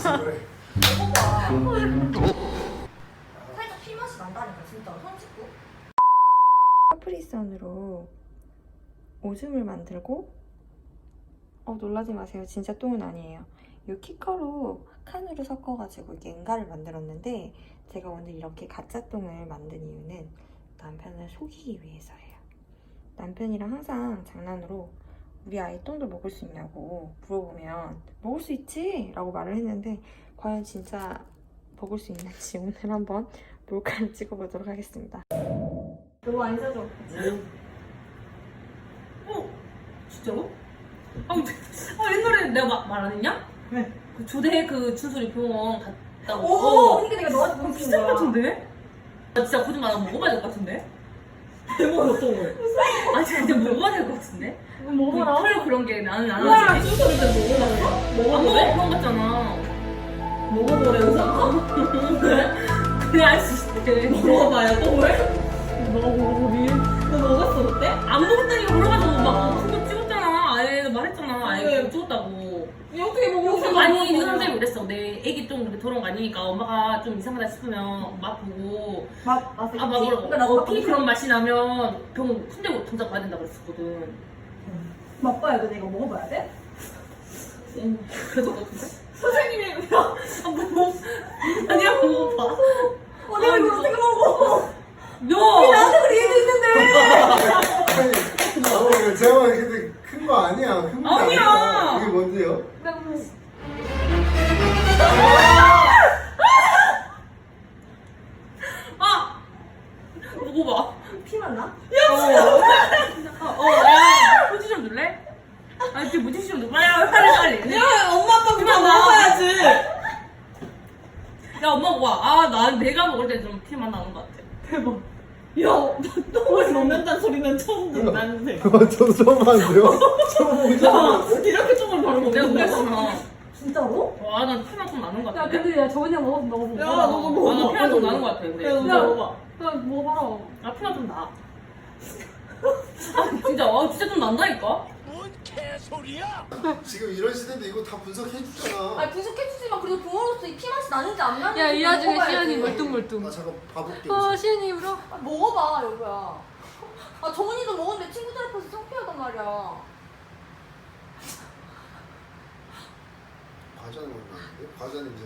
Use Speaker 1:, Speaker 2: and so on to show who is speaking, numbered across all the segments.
Speaker 1: 그래.
Speaker 2: 먹어봐. 살짝 피 맛이 난다니까 진짜. 손 씻고.
Speaker 3: 카프리선으로 오줌을 만들고 놀라지 마세요. 진짜 똥은 아니에요. 이 키커로 칸으로 섞어가지고 이게 응가를 만들었는데 제가 오늘 이렇게 가짜 똥을 만든 이유는 남편을 속이기 위해서예요. 남편이랑 항상 장난으로 우리 아이 똥도 먹을 수 있냐고 물어보면 먹을 수 있지? 라고 말을 했는데 과연 진짜 먹을 수 있는지 오늘 한번 몰카를 찍어보도록 하겠습니다. 너무 안 사줘.
Speaker 4: 진짜로? 옛날에 내가 말 안 했냐?
Speaker 3: 네.
Speaker 4: 그 조대 그 춘소리 병원 갔다고.
Speaker 2: 그러니까 내가 너한테 보는
Speaker 4: 비싼 것 같은데? 나 진짜 거짓말 안 먹어봐야 될 것 같은데?
Speaker 3: 대박이 어떤 거예요?
Speaker 4: 아 진짜 먹어봐야 될 것 같은데?
Speaker 3: 먹어라.
Speaker 4: 털 그런 게 나는 안
Speaker 3: 우와,
Speaker 4: 하지.
Speaker 3: 춘소리 때
Speaker 4: 안 먹어 그런 거잖아.
Speaker 3: 먹어보래 의사.
Speaker 4: 그래 알 수 있대.
Speaker 3: 먹어봐요 똥을? 먹어보니? 너 먹었어 그때?
Speaker 4: 안 먹었다니까 그래가지고 막 그거 찍었잖아. 아예 말했잖아. 아예
Speaker 3: 왜?
Speaker 4: 그거 찍었다고.
Speaker 3: 어떻게 먹었어?
Speaker 4: 아니 그 선생님이 그랬어. 내 애기 똥 그렇게 더러운 거 아니니까 엄마가 좀 이상하다 싶으면 맛 보고
Speaker 2: 맛있지.
Speaker 4: 먹으라고.
Speaker 2: 그러니까 나도
Speaker 4: 피 그런 맛이 나면 병원 손대고 당장 가야 된다고 그랬었거든.
Speaker 2: 맛봐야 돼. 내가 먹어봐야 돼?
Speaker 4: 그래도 같은데?
Speaker 3: 선생님이
Speaker 4: 아니야 먹어봐.
Speaker 2: 내가 이걸 어떻게 먹어?
Speaker 4: 야!
Speaker 2: 나한테 그런 얘기도 있는데.
Speaker 1: 아니, 제가 근데 큰 거 아니야. 큰 거
Speaker 4: 아니야.
Speaker 1: 이게 뭔데요?
Speaker 4: 아! 먹어봐.
Speaker 2: 피만 나?
Speaker 4: 야! 휴지 좀 줄래? 아니 그 물티슈 좀 줘. 빨리.
Speaker 3: 야 엄마 아빠 그만
Speaker 4: 그만
Speaker 3: 먹어야지.
Speaker 4: 야 엄마 먹어. 내가 먹을 때 좀 피만 나는 것 같아.
Speaker 3: 대박. 야 똥을 먹는다는 소리는 처음 듣는데.
Speaker 1: 저도 처음 봤는데요? 처음 보잖아요.
Speaker 3: 이렇게 똥을 바로
Speaker 4: 내가
Speaker 3: 먹는 거야?
Speaker 4: 그랬잖아.
Speaker 2: 진짜로?
Speaker 4: 난 피만 좀 나는 것
Speaker 5: 야
Speaker 4: 같아.
Speaker 5: 근데 야 저번에 먹어봐.
Speaker 3: 야 너도 먹어.
Speaker 4: 난 피만 좀 나는 것 같아. 근데.
Speaker 3: 야 너도
Speaker 4: 진짜.
Speaker 3: 먹어봐.
Speaker 5: 야 먹어봐라.
Speaker 4: 나 피만 좀 나. 진짜 좀 난다니까?
Speaker 1: 지금 이런 시대인데 이거 다 분석해주잖아.
Speaker 2: 아니 분석해주지만 그래도 부모로서 이 피 맛이 나는지 안 나는지
Speaker 5: 야 이 와중에
Speaker 2: 먹어봐야지.
Speaker 5: 시연이 멀뚱멀뚱.
Speaker 1: 나 잠깐 봐볼게.
Speaker 5: 시연이 울어.
Speaker 2: 먹어봐 여보야. 정은이도 먹었는데 친구들 앞에서 창피하단 말이야.
Speaker 1: 과자 냄새 나는데? 과자 냄새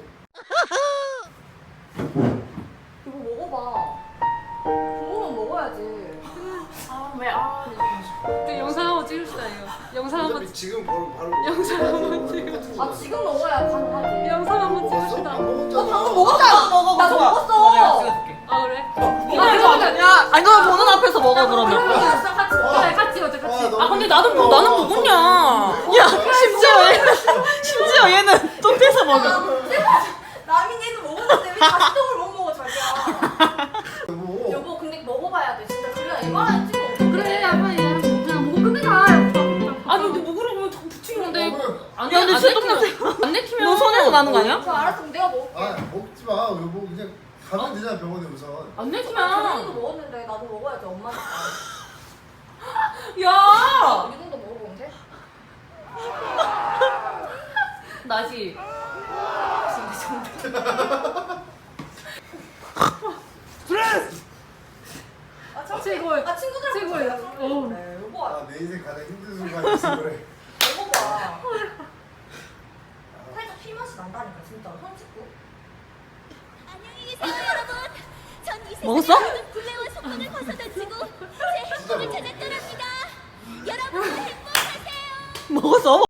Speaker 1: 나는데?
Speaker 2: 이거 먹어봐. 부모는 먹어야지.
Speaker 5: 또 영상 한번 찍읍시다 이거. 영상 한번
Speaker 1: 어차피 지금 바로
Speaker 5: 영상 한번
Speaker 1: 찍어.
Speaker 2: 지금 먹어야 가능하지.
Speaker 5: 영상 한번
Speaker 1: 먹었어?
Speaker 5: 찍읍시다.
Speaker 1: 안 먹었잖아.
Speaker 2: 방금 먹었잖아. 나 먹었어.
Speaker 5: 아 그래?
Speaker 3: 야 아니 너 보는 앞에서 먹어 그러면.
Speaker 2: 그러면 같이
Speaker 5: 그래 같이 먹자 같이.
Speaker 4: 근데 나는 먹었냐?
Speaker 3: 야 심지어 얘는 똥 떼서 먹어.
Speaker 2: 남인 얘도 먹었는데 왜 다시 똥을 못 먹어 자기야.
Speaker 1: 여보.
Speaker 2: 여보 근데 먹어봐야 돼 진짜. 그래야 이만한 찍어.
Speaker 5: 그래 야 빨리 그냥 먹고 끝내자.
Speaker 4: 아니 근데 먹으라고 다 붙이는데 안
Speaker 3: 야, 근데 진짜 똥
Speaker 4: 안 내키면
Speaker 3: 너 손에서 나는 거 아니야?
Speaker 2: 저 알았어 그럼 내가 먹을게.
Speaker 1: 아 먹지 마. 여보 그냥 가면 되잖아 병원에 우선.
Speaker 4: 안
Speaker 2: 정은이도
Speaker 4: 내키면
Speaker 2: 먹었는데 나도 먹어야지 엄마니까.
Speaker 4: 야!
Speaker 2: 이 정도 먹어보면 돼?
Speaker 4: 나지.
Speaker 5: 최고의
Speaker 2: 친구들
Speaker 5: 최고의.
Speaker 2: 그래 여보
Speaker 1: 내 인생 가장 힘든 순간이었어 그래.
Speaker 2: 먹어봐. 살짝 피 맛이 난다니까 진짜. 손 씻고.
Speaker 6: 안녕히 계세요 여러분. 전 이
Speaker 3: 먹었어?
Speaker 6: 세상의 굴레와 속박을 벗어던지고 제 행복을 찾았더랍니다. 여러분 행복하세요.
Speaker 3: 먹었어?